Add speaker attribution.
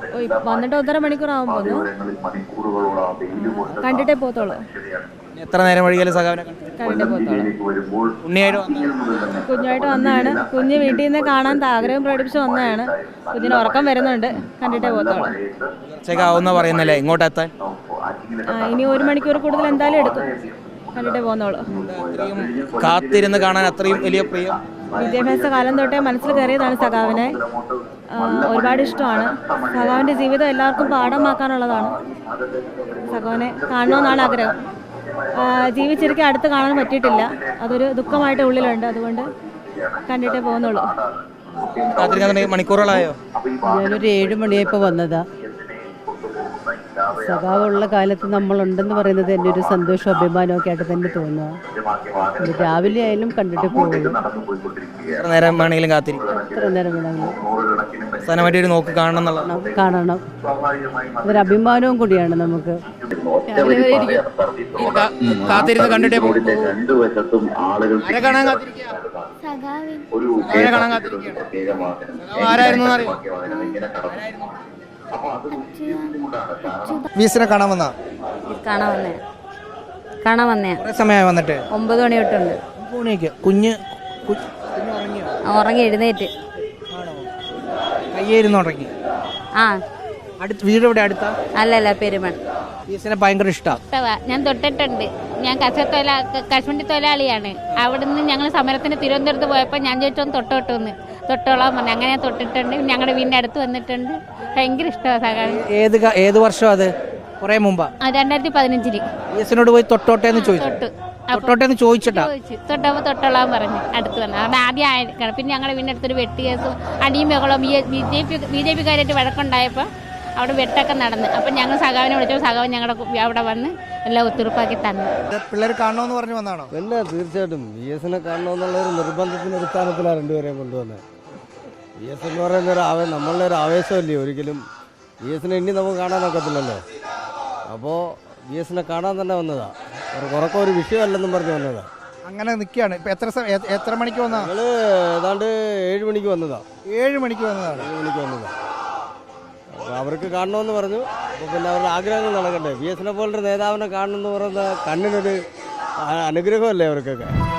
Speaker 1: വന്നിട്ട് 1.5 മണിക്കൂറാവും പോകുന്നു. കണ്ടിട്ടേ പോത്തോളൂ.
Speaker 2: എത്ര നേരം വഴിയാലും സഖാവിനെ
Speaker 1: കണ്ടിട്ടേ പോത്തോളൂ.
Speaker 2: ഉണ്ണിയായിട്ട്
Speaker 1: കുഞ്ഞായിട്ട് വന്നതാണ്. കുഞ്ഞ് വീട്ടിൽ നിന്ന് കാണാൻ ആഗ്രഹം പ്രകടിപ്പിച്ച് വന്നതാണ്. കുഞ്ഞിന് ഉറക്കം വരുന്നുണ്ട്. കണ്ടിട്ടേ പോത്തോളൂ.
Speaker 2: ഉച്ചയ്ക്കാവുന്ന പറയുന്നല്ലേ ഇങ്ങോട്ട് എത്താൻ?
Speaker 1: ഇനി 1 മണിക്കൂർ കൂടുതൽ എന്തായാലും എടുക്കും. കണ്ടിട്ടേ പോന്നോളൂ.
Speaker 2: കാത്തിരുന്ന് കാണാൻ അത്രയും വലിയ പ്രിയം.
Speaker 1: വിദ്യാഭ്യാസ കാലം തൊട്ടേ മനസ്സിൽ കയറിയതാണ് സഖാവിനെ. ഒരുപാട് ഇഷ്ടമാണ്. സഖാവിൻ്റെ ജീവിതം എല്ലാവർക്കും പാഠമാക്കാനുള്ളതാണ്. സഖാവിനെ കാണണമെന്നാണ് ആഗ്രഹം. ജീവിച്ചിരിക്കാൻ അടുത്ത് കാണാൻ പറ്റിയിട്ടില്ല. അതൊരു ദുഃഖമായിട്ട് ഉള്ളിലുണ്ട്. അതുകൊണ്ട് കണ്ടിട്ടേ പോകുന്നുള്ളൂ.
Speaker 2: മണിക്കൂറുകളായോ?
Speaker 3: ഞാനൊരു 7 മണിയായപ്പോൾ വന്നതാ. സഖാവുള്ള കാലത്ത് നമ്മളുണ്ടെന്ന് പറയുന്നത് എൻ്റെ ഒരു സന്തോഷവും അഭിമാനമൊക്കെ ആയിട്ട് തന്നെ തോന്നുക. രാവിലെ ആയാലും കണ്ടിട്ട് പോകുള്ളൂ.
Speaker 2: എത്ര നേരം വേണമെങ്കിലും കാത്തിരിക്കും.
Speaker 3: എത്ര നേരം വേണമെങ്കിലും
Speaker 2: അവസാനമായിട്ട് ഒരു നോക്ക് കാണണം എന്നുള്ള
Speaker 3: കാണണം. അതൊരു അഭിമാനവും കൂടിയാണ് നമുക്ക്.
Speaker 2: കാത്തിരുന്ന് കണ്ടിട്ടേ വീസിനെ കാണാൻ വന്നാ?
Speaker 1: കാണാൻ വന്നേ.
Speaker 2: സമയമായി വന്നിട്ട്
Speaker 1: 9 മണി തൊട്ടുണ്ട്.
Speaker 2: കുഞ്ഞ്
Speaker 1: ഉറങ്ങി എഴുന്നേറ്റ്.
Speaker 2: കയ്യേരുന്ന് ഉറങ്ങി. വീട് എവിടെ? അടുത്താ?
Speaker 1: അല്ലല്ല, പെരുമൺ.
Speaker 2: വീസിനെ ഭയങ്കര ഇഷ്ടമാണ്.
Speaker 1: ഞാൻ തൊട്ടിട്ടുണ്ട്. ഞാൻ കശുവണ്ടി തൊഴിലാളിയാണ്. അവിടുന്ന് ഞങ്ങൾ സമരത്തിന് തിരുവനന്തപുരത്ത് പോയപ്പോൾ ഞാൻ ചോദിച്ചൊന്ന് തൊട്ടോട്ടോന്ന്. തൊട്ടോളാൻ പറഞ്ഞു. അങ്ങനെ ഞാൻ തൊട്ടിട്ടുണ്ട്. ഞങ്ങളുടെ വീടിൻ്റെ അടുത്ത് വന്നിട്ടുണ്ട്. ഭയങ്കര ഇഷ്ടമാണ് സഖാവ്.
Speaker 2: ഏത് വർഷം അത്? കുറെ മുമ്പാ?
Speaker 1: 2015.
Speaker 2: വീസിനോട് പോയി തൊട്ടോട്ടേന്ന് ചോദിച്ചു. തൊട്ടോട്ടേന്ന് ചോദിച്ചിട്ടാ?
Speaker 1: തൊട്ടപ്പോൾ തൊട്ടോളാൻ പറഞ്ഞു. അടുത്ത് വന്നു. അവിടെ ആദ്യം ആയിരിക്കണം. പിന്നെ ഞങ്ങളുടെ വീടിൻ്റെ അടുത്തൊരു വെട്ട് കേസും അടിയും ബഹളവും BJP-കാരായിട്ട് വഴക്കുണ്ടായപ്പോൾ അവിടെ വെട്ടൊക്കെ നടന്ന്. അപ്പം ഞങ്ങൾ സഖാവിനെ വിളിച്ചപ്പോൾ സഖാവ് ഞങ്ങളുടെ അവിടെ വന്ന് എല്ലാം ഒത്തുറപ്പാക്കി തന്നു.
Speaker 2: പിള്ളേർ കാണണമെന്ന് പറഞ്ഞു വന്നാണോ?
Speaker 4: പിന്നെ തീർച്ചയായിട്ടും VS-നെ കാണണമെന്നുള്ളൊരു നിർബന്ധത്തിൻ്റെ അടിസ്ഥാനത്തിലാണ് രണ്ടുപേരെയും കൊണ്ടുവന്നത്. VS എന്ന് പറയുന്ന നമ്മളുടെ ഒരു ആവേശമല്ലേ. ഒരിക്കലും VS-നെ ഇനി നമുക്ക് കാണാനൊക്കത്തില്ലല്ലോ. അപ്പോൾ VS-നെ കാണാൻ തന്നെ വന്നതാണ്. ഉറക്കം ഒരു വിഷയമല്ലെന്നും പറഞ്ഞു വന്നതാണ്.
Speaker 2: അങ്ങനെ നിൽക്കുകയാണ്. ഇപ്പം എത്ര മണിക്ക് വന്നതാണ്?
Speaker 4: ഞങ്ങൾ ഏതാണ്ട് 7 മണിക്ക് വന്നതാണ്.
Speaker 2: 7 മണിക്ക് വന്നതാണ്.
Speaker 4: 7 മണിക്ക് വന്നതാണ്. അപ്പോൾ അവർക്ക് കാണണമെന്ന് പറഞ്ഞു. അപ്പോൾ പിന്നെ അവരുടെ ആഗ്രഹങ്ങൾ നടക്കട്ടെ. VS-നെ പോലൊരു നേതാവിനെ കാണണമെന്ന് പറയുന്ന കണ്ണിനൊരു അനുഗ്രഹമല്ലേ അവർക്കൊക്കെ.